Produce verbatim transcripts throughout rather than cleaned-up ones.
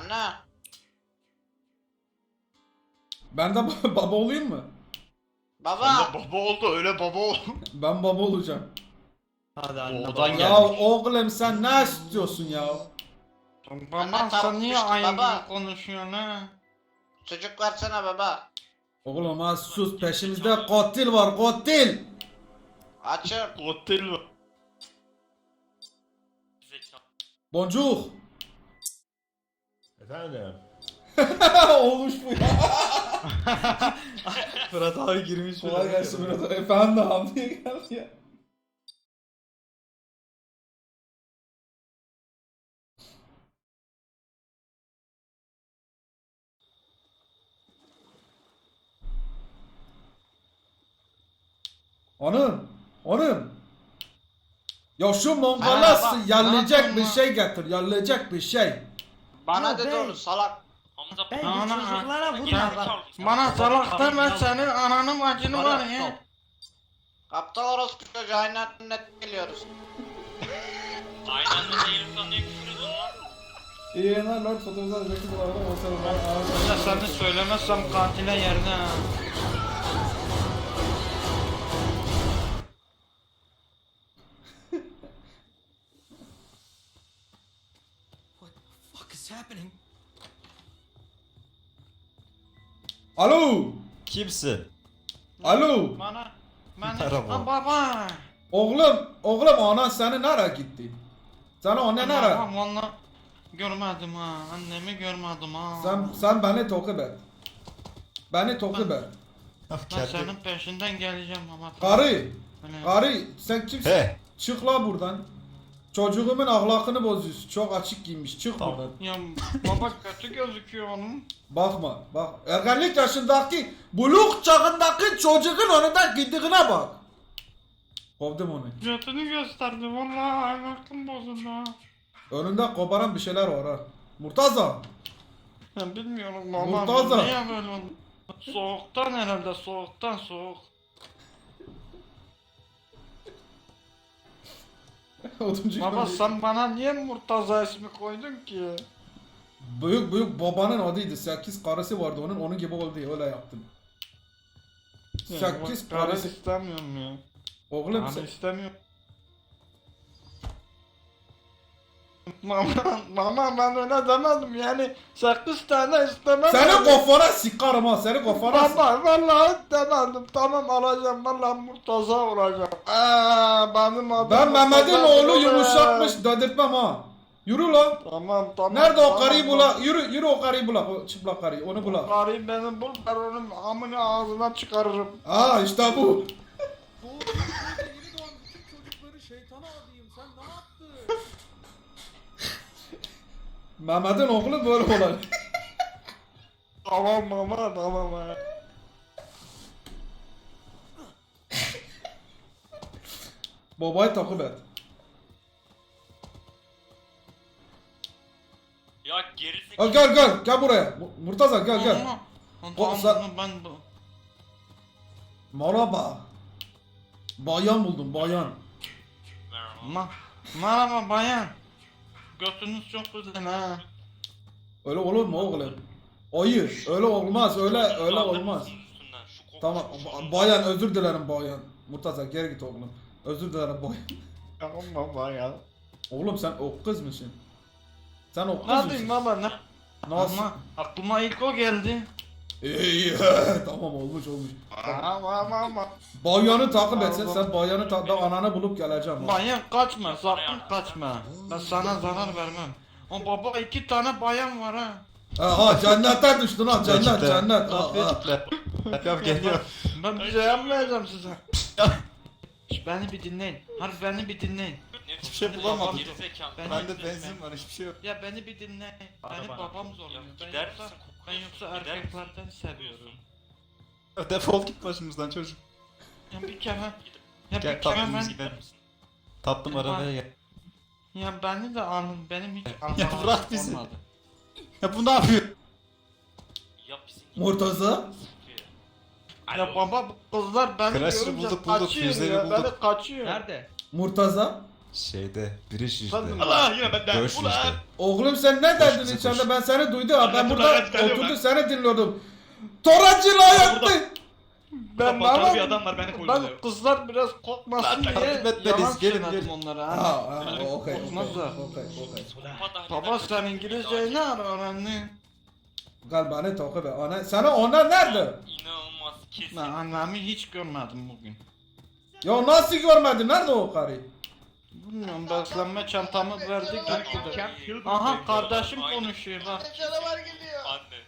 Anne. Ben de ba- baba olayım mı? Baba. Sen de baba oldu, öyle baba ol. Ben baba olacağım. Hadi anne Oğlan baba. geldi. Ya oğlum sen ne istiyorsun ya? Anne, Baba sen tavuk niye düştü, aynı baba. gibi konuşuyorsun ha? Sucuk versene baba. Oğlum az sus, peşimizde katil var, katil. Açım. Otel mi? Boncuk. Efendim? Olmuş bu ya. Fırat abi girmiş bile. Kolay gelsin biraz. Efendim abi diye geldi ya. Hanım, hanım. Ya şu mongala Merhaba, yerleyecek ne bir yapıyorsun şey getir, yerleyecek bir şey. Bana Ya dedi bey. onu salak. Ben Ana, bu çocuklara vurma Ya, bak. Bana salak deme senin ananın bacını var ya. Aptal orospu çocuğu aynen net geliyoruz. Aynen de değilsen niye küfür ediyorsun lan? İyi yayınlar Lord fotoğraflar zeki dolarda Ya sen de söylemezsem katile yerde ha. What the fuck is happening? Alo, Kimsin? alo. Bana, bana, Merhaba. Ha, baba. Oğlum, oğlum anan seni nereye gitti? Sana anne nereye? Babam valla görmedim ha. Annemi görmedim ha. Sen sen beni takip et. Beni takip et. Ben senin peşinden geleceğim ama. Karı, Öyle. karı sen kimsin? He. Çık la buradan. Çocuğumun ahlakını bozuyorsun. Çok açık giymiş. Çık Tamam. buradan. Ya baba kötü gözüküyor onun. Bakma. Bak. Ergenlik yaşındaki, buluk çağındaki çocuğun önünden gittiğine bak. Kovdum onu. Götünü gösterdi vallahi aklım bozuldu ha. Önünde koparan bir şeyler var ha. Murtaza. Ben bilmiyorum baba. Murtaza. Niye böyle oldu? Soğuktan herhalde soğuktan soğuk. Oduncu Baba gibi. sen bana niye Murtaza ismi koydun ki? Büyük büyük babanın adıydı. Sekiz karısı vardı onun. Onun gibi oldu. Öyle yaptım. Sekiz Karı karısı. istemiyorum ya. Oğlum Karı sen... istemiyorum. Mama, mama ben öyle demedim yani sekiz tane istemem. Seni kafana sıkarım ha. Seni kafana sıkarım. Baba vallahi demedim tamam alacağım vallahi Murtaza olacağım. Eee benim adım Ben Mehmet'in Murtaza oğlu değil. yumuşakmış dedirtmem ha. Yürü lan. Tamam tamam. Nerede o tamam, karıyı tamam. bula? Yürü yürü o karıyı bula. O çıplak karıyı. Onu bula. Karıyı benim bul ben onun amını ağzına çıkarırım. Aa işte bu. Mehmet'in oğlu böyle olan. Tamam mama tamam ha. Babayı takip et. Ya Ha, gerizekalı. gel gel gel buraya. Mu- Murtaza gel gel. Ama- O, Tamam sen- bunu ben bu. Merhaba. Bayan buldum bayan. Merhaba. Ma Merhaba bayan. Götünüz çok güzel ha. Öyle olur mu oğlum? Ayı. Öyle olmaz. Öyle öyle Kaldırır olmaz. mısın üstünden? Şu koku- Tamam şu- ba- bayan özür dilerim bayan. Murtaza geri git oğlum. Özür dilerim bayan. Tamam baba ya. Oğlum sen o kız mısın? Sen o kız Ne yapayım mısın? baba ne? Nasıl? Ama aklıma ilk o geldi. İyi tamam olmuş olmuş. Ama ama ama. Bayanı takip etsen sen bayanı takip ben ananı bulup geleceğim. ha. Bayan kaçma sakın kaçma. Ben sana zarar vermem. O baba iki tane bayan var ha. Ha cennetten düştün ha cennet Kitle. cennet. Ha, ha. Yap geliyor. Ben bir şey yapmayacağım size. Şş, beni bir dinleyin. Harbi beni bir dinleyin. Ne Hiçbir şey biçim bulamadım. gerizekalı. Ben- Bende benzin var hiçbir şey yok. Ya beni bir dinleyin. Beni bana. babam zorluyor. Ya Ben gider yoksa, misin? ben yoksa Gider misin? erkeklerden seviyorum. Defol git başımızdan çocuk. Ya bir kere. Ya Gel bir kere tatlımız ben. gidelim. Tatlım arabaya gel. Ya beni de alın. Benim hiç Ya almam bırak bizi. olmadı. Ya bu ne yapıyor? Yap bizim gibi. Murtaza. Ya Alo. baba bu kızlar beni Crash'ı görünce bulduk, bulduk, kaçıyor füzeyi ya. bulduk. Beni kaçıyor. Nerede? Murtaza. Şeyde biriş işte. Allah yine benden. Dövüş Ulan. işte. Oğlum sen ne derdin koş. içeride, ben seni duydum ha, ben Ben burada buradan çıkarıyorum oturdum ben. seni dinliyordum. Toracıyla yaktın. Ben Kapalı bana bir adam var, beni ben koyuyor. kızlar biraz korkmasın Lan, diye takip etmeliyiz, yalan gelin, söyledim gelin. onlara. Ha, Ha. ha, okey, okey, Korkmazlar. okey, okey. Baba sen İngilizceyi ne ara öğrendin? Gel beni takip et. Ana, sana ona nerede? İnanılmaz kesin. Ben annemi hiç görmedim bugün. Ya nasıl görmedin? Nerede o karı? Bilmiyorum beslenme çantamı verdik gitti. Camp Hill Aha kardeşim Aynen. konuşuyor bak. Canavar gidiyor. Anne.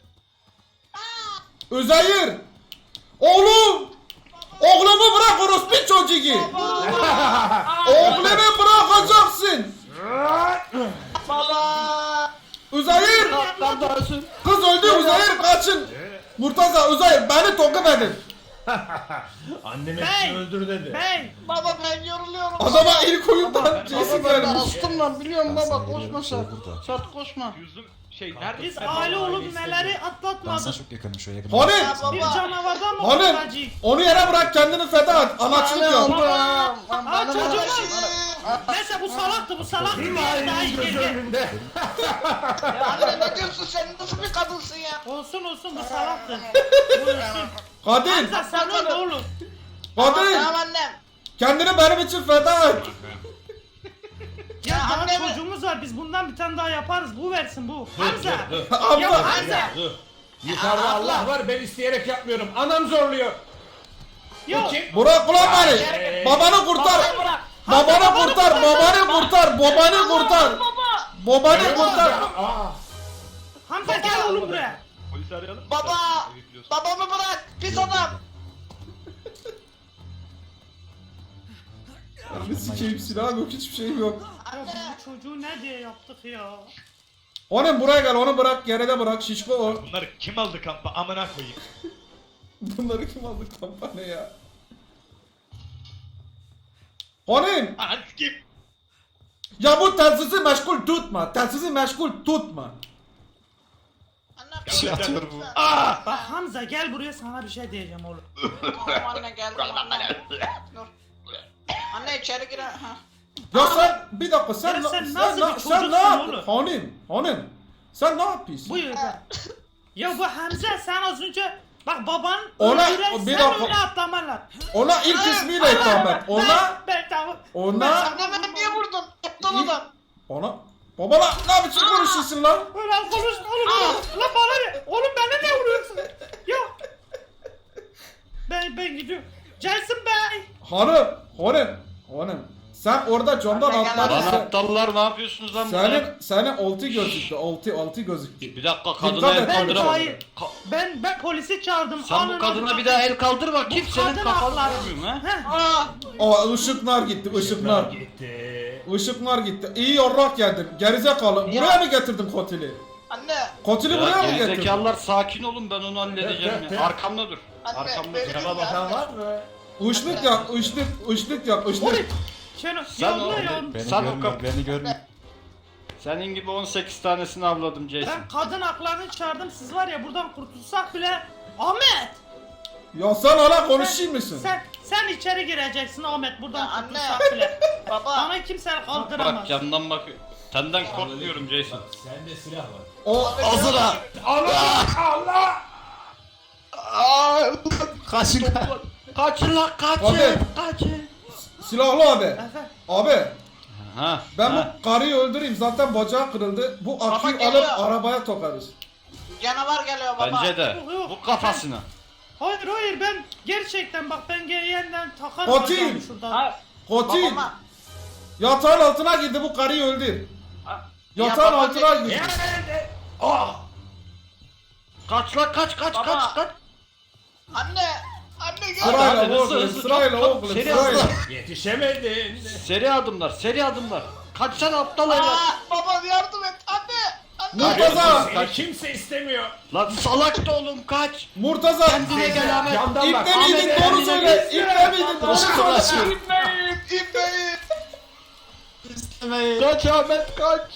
Üzeyir! Oğlum! Oğlumu bırak orospu çocuğu! Oğlumu bırakacaksın! Baba. Üzeyir! Kardeşim. Kız öldü Üzeyir, kaçın! Murtaza, Üzeyir beni takip edin! Anneme Bey! öldür dedi. Bey! Baba ben yoruluyorum. Adama ilk oyundan Baba Jason ben de gelmiş. astım lan biliyorum Ben baba sana koşma geliyorum, şey Sert. burada. Sert koşma. Yüzüm şey nerede? Biz sen? aile olup neleri Ben sana atlatmadık. çok yakınım şöyle yakın. Hanım! Bir Baba. canavardan mı Hanım! kurtulacağız? Onu yere bırak, kendini feda et. Anaçlık yap. Aa çocuğum! Neyse bu salaktı, bu salaktı. Bir yer daha iyi Göz geldi. önünde. Ya anne ne diyorsun, sen nasıl bir kadınsın ya? Olsun olsun bu salaktı. Bu olsun. Kadın! Hamza sen öyle oğlum. Tamam Kadın! annem. Kendini benim için feda et. Ya Ya daha anne mi? çocuğumuz var, biz bundan bir tane daha yaparız. Bu versin bu. Hamza! Abla! Ya Hamza! Dur. Yukarıda Allah var, ben isteyerek yapmıyorum. Anam zorluyor. Yok! Burak ulan beni! Babanı kurtar! Babayı bırak. Babanı kurtar! Babanı kurtar! Babanı kurtar! Babanı kurtar! Aa, Hamza gel oğlum buraya. Polisi arayalım. Baba. Sen bekliyorsun. Babamı bırak. Pis adam. Bir sikeyim, silahım yok, hiçbir şeyim yok. Ya bu çocuğu ne diye yaptık ya? Onun buraya gel, onu bırak, geride bırak, şişko o. Bunları kim aldı kampa? Amına koyayım. Bunları kim aldı kampanya? Onun! Aha kim? Ya bu telsizi meşgul tutma, telsizi meşgul tutma. Anne. Bir şey atıyor bu. Bak Hamza gel buraya, sana bir şey diyeceğim oğlum. Tamam anne geldim anne. Dur. Anne içeri gir. Ha. Ya sen, bir dakika, sen, Ya na- sen sen, nasıl na- bir sen ne çocuksun yapıyorsun? Hanım, hanım, sen ne yapıyorsun? Buyur be. Ya bu Hamza sen az önce bak baban Ona- öldüren bir sen dakika. öyle atlamalar. Ona ilk ismiyle hitap et. Ona, Ben, ben tamam. ona, Anne beni niye vurdun? Aptal adam. ona. Baba lan, ne biçim konuşuyorsun lan? Ulan konuşma oğlum. oğlum. Lan bana ne? Oğlum bana ne vuruyorsun? Ya. Ben ben gidiyorum. Jason Bey. Hanım, hanım, hanım. Sen orada camdan Anne, gel atladın. Lan Sen, aptallar ne yapıyorsunuz lan burada? senin, senin altı gözüktü, altı, altı gözüktü. Bir dakika Dikkat kadına et, el Ben kaldıramam. hayır. Ben ben polisi çağırdım. Sen bu Alın kadına onu. bir daha el kaldır bakayım Bu senin kadın kafanı hakları. vurayım ha. Heh. Aa. Aa, ışıklar gitti, ışıklar. gitti. Işıklar gitti. İyi yorrak geldin. Gerizekalı. Buraya mı getirdin kotili? Anne. Kotili buraya Ya mı getirdin? gerizekalılar sakin olun ben onu halledeceğim Evet, ya. evet. Arkamda dur. Anne. Arkamda beni dur. Sana bakan var mı? Işlık yak, ışlık, ışlık yak, ışlık. Şenol. Sen Yolla o- ya. Beni Sen o görmüyor, kap- beni görmüyor. Senin gibi on sekiz tanesini avladım Jason. Ben kadın haklarını çağırdım. Siz var ya buradan kurtulsak bile. Ahmet. Ya sen hala konuşayım mısın? Sen sen içeri gireceksin Ahmet buradan Ya anne. kurtulsak bile. Baba. Bana kimse kaldıramaz. Bak camdan bak. Senden korkmuyorum Jason. Bak sende silah var. O Hazır ha. Allah! Allah! Kaçın. Kaçın lan kaçın. Abi. Kaçın. silahlı abi. Efe. Abi Ha. ben ha. bu karıyı öldüreyim, zaten bacağı kırıldı. Bu aküyü geliyor. alıp arabaya tokarız. Canavar geliyor baba. Bence de. Yok, yok. Bu kafasına. Hayır hayır ben gerçekten bak ben ge- yeniden takarım Fatih! bacağımı şuradan. Ha. Kotil Babama. yatağın altına girdi, bu karıyı öldür. Ha. Yatağın baba altına ne- girdi. Ah! Kaç lan kaç kaç Baba. kaç kaç. Anne. Anne gel. Hadi, Sırayla hızlı, oğlum, hızlı, sırayla çok, çok oğlum, seri sırayla. Yetişemedin. Seri adımlar seri adımlar. Kaçsana aptal evlat. Aa, baba yardım et. Anne. Anne. Murtaza, Seni kimse istemiyor. Lan salak da oğlum kaç. Murtaza. Kendine gel Ahmet. Camdan bak. İbne miydin, Ahmet, doğru kendine söyle. İbne miydin, doğru söyle. İbneyim. İbneyim. Kaç Ahmet kaç.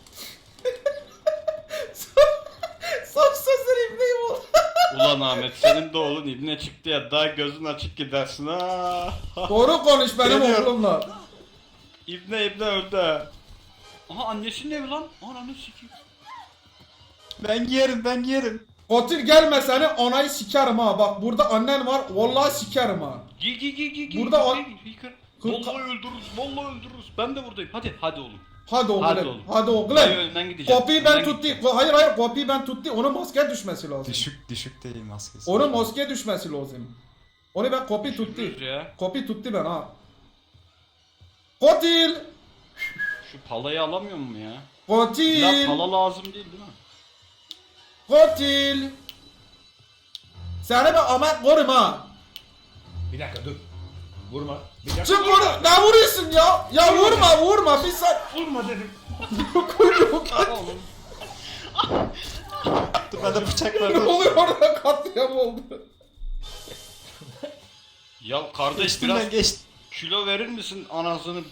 Son sözler ibneyim oldu. Ulan Ahmet senin de oğlun ibne çıktı ya daha gözün açık gidersin ha. Doğru konuş benim Geliyorum. oğlumla. İbne İbne öldü. Aha annesinin evi lan. Ananı sikeyim. Ben giyerim ben giyerim. Katil gelme seni anayı sikerim ha. Bak burada annen var. Vallahi sikerim ha. Giy giy giy giy giy. Burada giy, o- giy, giy, giy. Kırk- Vallahi öldürürüz. Vallahi öldürürüz. Ben de buradayım. Hadi hadi oğlum. Hadi oğlum. Hadi Hadi, oğlum. hadi oğlum. Ben önden gideceğim. Kopyayı ben Önden tuttum. gideceğim. Hayır hayır kopyayı ben tuttum. Onun maske düşmesi lazım. Düşük düşük değil maskesi. Onun maske düşmesi lazım. Onu ben kopya tuttum. Düşürürüz ya. Kopya tuttu ben ha. Katil! Şu palayı alamıyor mu ya? Ya Katil! pala lazım değil değil mi? Katil! Seni ben Ahmet korum ha. Bir dakika dur. Vurma. Bir dakika. Çık vur. Ne vuruyorsun ya? Ya vurma vurma. Bir sen. Vurma dedim. Oğlum. Dur ben de bıçak Ne verdim. oluyor orada katliam oldu. Ya kardeş biraz Üstünden geçti. kilo verir misin anasını?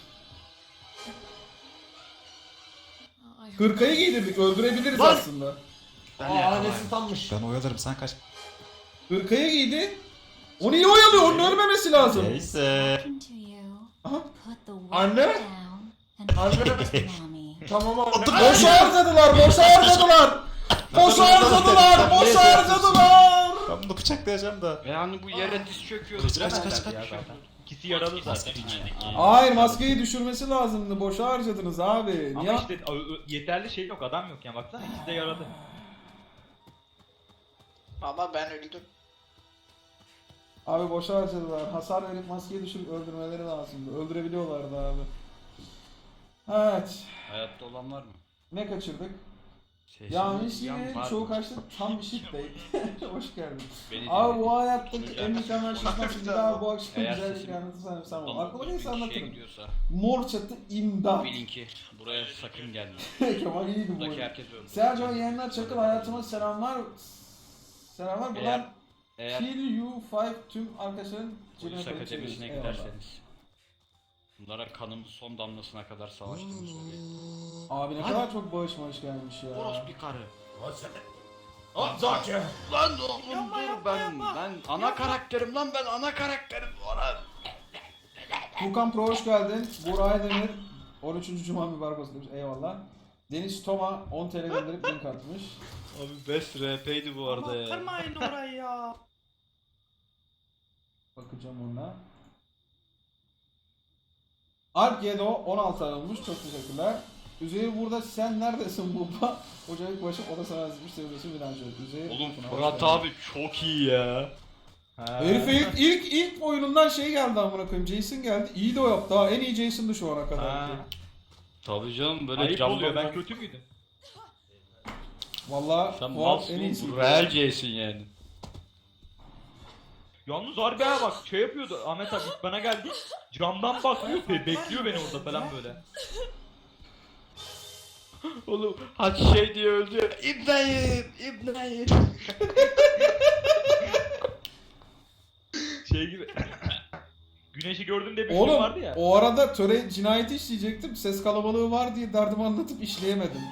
Hırkayı giydirdik öldürebiliriz Lan! aslında. Aa annesi tanmış. Ben oyalarım sen kaç. Hırkayı giydi. Onu iyi oyalıyor. Onun ölmemesi lazım. Neyse. To you, Aha. put the Anne? water down and Anne? kiss mommy. Tamam abi. Boşa harcadılar. Boşa harcadılar. Boşa harcadılar. Boşa harcadılar. Ben bunu bıçaklayacağım da. Yani bu yere diz çöküyordu. Kaç kaç kaç Ya kaç. zaten. İkisi yaralı zaten. Hayır maskeyi düşürmesi lazımdı. Boşa harcadınız abi. Ama Niye? işte ö- ö- yeterli şey yok, adam yok yani, baksana ikisi de yaralı. Baba ben öldüm. Abi boşa harcadılar. Hasar verip maskeyi düşürüp öldürmeleri lazımdı. Öldürebiliyorlardı abi. Evet. Hayatta olan var mı? Ne kaçırdık? Sesini Yanlış duyan yine var çoğu mı? kaçtı. Tam bir shit değil. Hoş geldin. Beni Abi dinle. bu hayattaki Şunu en gel. mükemmel şişman şimdi daha bu akşam Eğer güzel bir sesim- anlatırsam sen ol. Adam Aklıma bin neyse kişiye anlatırım. gidiyorsa Mor çatı imdat. bilin ki buraya sakın gelme. Kemal iyiydi bu Buradaki oyun. herkes öldü. Sercan yayınlar Çakıl hayatıma selamlar. Selamlar Eğer- buradan Eğer Kill You five tüm arkadaşların cebine polis koyup akademisine çeviriyoruz. Eyvallah. giderseniz bunlara kanımız son damlasına kadar savaştığımı söyleyin. Abi ne kadar çok bağış bağış gelmiş ya. Orospu bir karı. Lan sen. Lan zaten. Lan oğlum dur ben ben ana karakterim lan ben ana karakterim Orhan. Furkan Pro hoş geldin. Buray Demir on üçüncü Cuma mübarek olsun demiş. Eyvallah. Deniz Toma on T L gönderip link atmış. Abi best R P'ydi bu arada ya. Kırmayın orayı ya. Bakacağım ona. Alp Yedo on altı ay olmuş. Çok teşekkürler. Üzeyir burada sen neredesin baba? Ocak başı o da sana yazmış sevgilisi Bilancı. Üzeyir. Oğlum Furkan, hoş Fırat geldin. abi çok iyi ya. Herife ilk, ilk ilk oyunundan şey geldi amına koyayım. Jason geldi. İyi de o yaptı ha. En iyi Jason'dı şu ana kadar. Ha. Tabii canım böyle Ayıp camdan- oluyor, ben kötü müydüm? Valla Sen Fuat en iyisi. malsın real Jason yani. Yalnız harbi ha bak şey yapıyordu, Ahmet abi ilk bana geldi, camdan bakıyor, be- bekliyor beni orada falan böyle. Oğlum haç şey diye öldü ya. İbnayim, İbnayim. Şey gibi. Güneşi gördüm diye bir film Oğlum vardı ya. o arada töre cinayeti işleyecektim. Ses kalabalığı var diye derdimi anlatıp işleyemedim.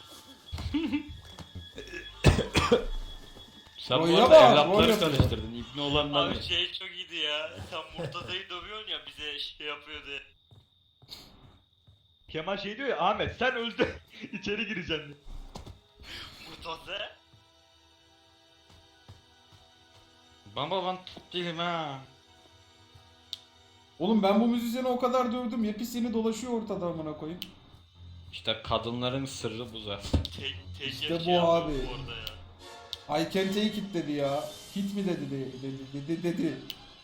Sen bu Roy'a arada bak, evlatları Roy'a bak. tanıştırdın. İbni olanlar Abi ne? şey çok iyiydi ya. Sen Murtaza'yı dövüyorsun ya bize şey yapıyordu. Kemal şey diyor ya, Ahmet sen öldün içeri gireceksin diye. Murtaza? Baba ben tut değilim ha. Oğlum ben bu müzisyeni o kadar dövdüm. Yepyeni dolaşıyor ortada amına koyayım. İşte kadınların sırrı bu zaten. Tek, tek İşte yer bu şey yapıyor abi. bu Orada ya. I can't take it dedi ya. Hit mi dedi dedi dedi dedi. dedi.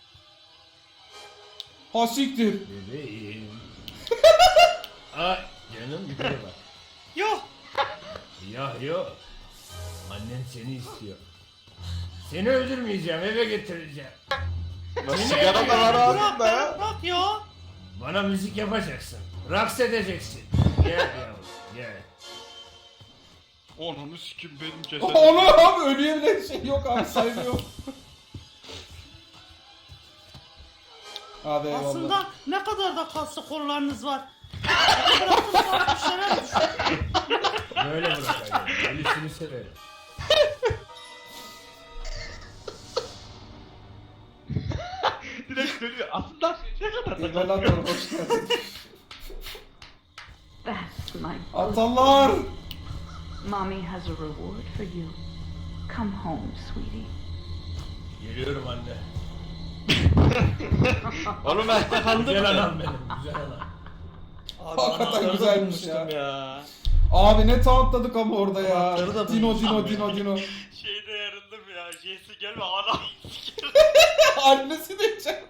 Ha siktir. Bebeğim. Ay canım yukarı bak. Yok. Ya yok. Annen seni istiyor. Seni öldürmeyeceğim, eve getireceğim. Sigara da var Bırak ağzında ya. bırak bırak ya. Bana müzik yapacaksın. Raks edeceksin. Gel yavrum, gel. Onu sikim benim cesedim. Onu abi ölüye bile şey yok abi saygı yok. Hadi eyvallah. Aslında ne kadar da kaslı kollarınız var. Bırakın bak düşene düş. Böyle bırakacağım. Ölüsünü severim. Direkt dönüyor. Aslında ne kadar da Eyvallah hoş geldin. my Atallar. mommy has a reward for you. Come home, sweetie. Geliyorum anne. Oğlum ben yakalandım Güzel mı? anam benim. Güzel anam. Hakikaten güzelmiş ya. ya. Abi ne tauntladık ama orada ya. Anahtarı da Dino bulmuşum Dino ya. Dino Dino. Şeyde yarıldım ya. Jesse gelme anam. Annesi de içeride.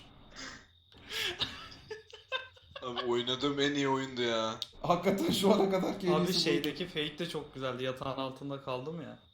Abi oynadığım en iyi oyundu ya. Hakikaten şu ana kadar keyiflisi Abi bu. şeydeki fake de çok güzeldi. Yatağın altında kaldım ya.